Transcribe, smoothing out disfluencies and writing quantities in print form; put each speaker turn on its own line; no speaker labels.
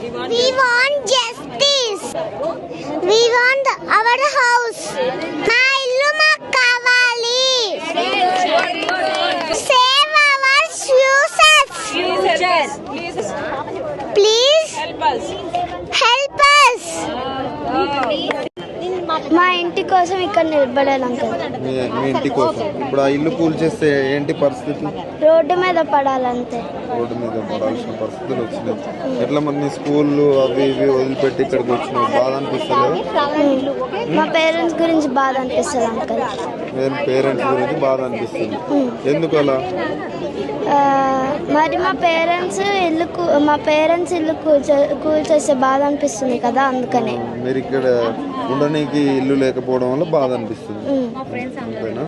We want justice. We want our house. మా ఇల్లు మాకు కావాలి. Save our futures. Please help us. మా ఇంటి కోసం ఇక్కడ నిలబడాలి అంకుల్.
మీ ఇంటి కోసం ఇప్పుడు ఆ ఇల్లు కూల్చేస్తే ఏంటి పరిస్థితి?
రోడ్డు మీద పడాలంతే.
రోడ్డు మీద పడాల్సిన పరిస్థితులు వచ్చినాయి. ఎట్లా మరి నీ స్కూళ్ళు అవి ఇవి వదిలిపెట్టి ఇక్కడికి వచ్చినావు, బాధ అనిపిస్తలేదు?
మా పేరెంట్స్ గురించి బాధ అనిపిస్తుంది అంకుల్.
పేరెంట్స్ గురించి బాధ అనిపిస్తుంది. ఎందుకు అలా?
మరి మా పేరెంట్స్ ఇల్లు కూల్చేస్తే బాధ అనిపిస్తుంది కదా, అందుకనే.
మీరు ఇక్కడ ఉండడానికి ఇల్లు లేకపోవడం వల్ల బాధ అనిపిస్తుంది, అంతేనా?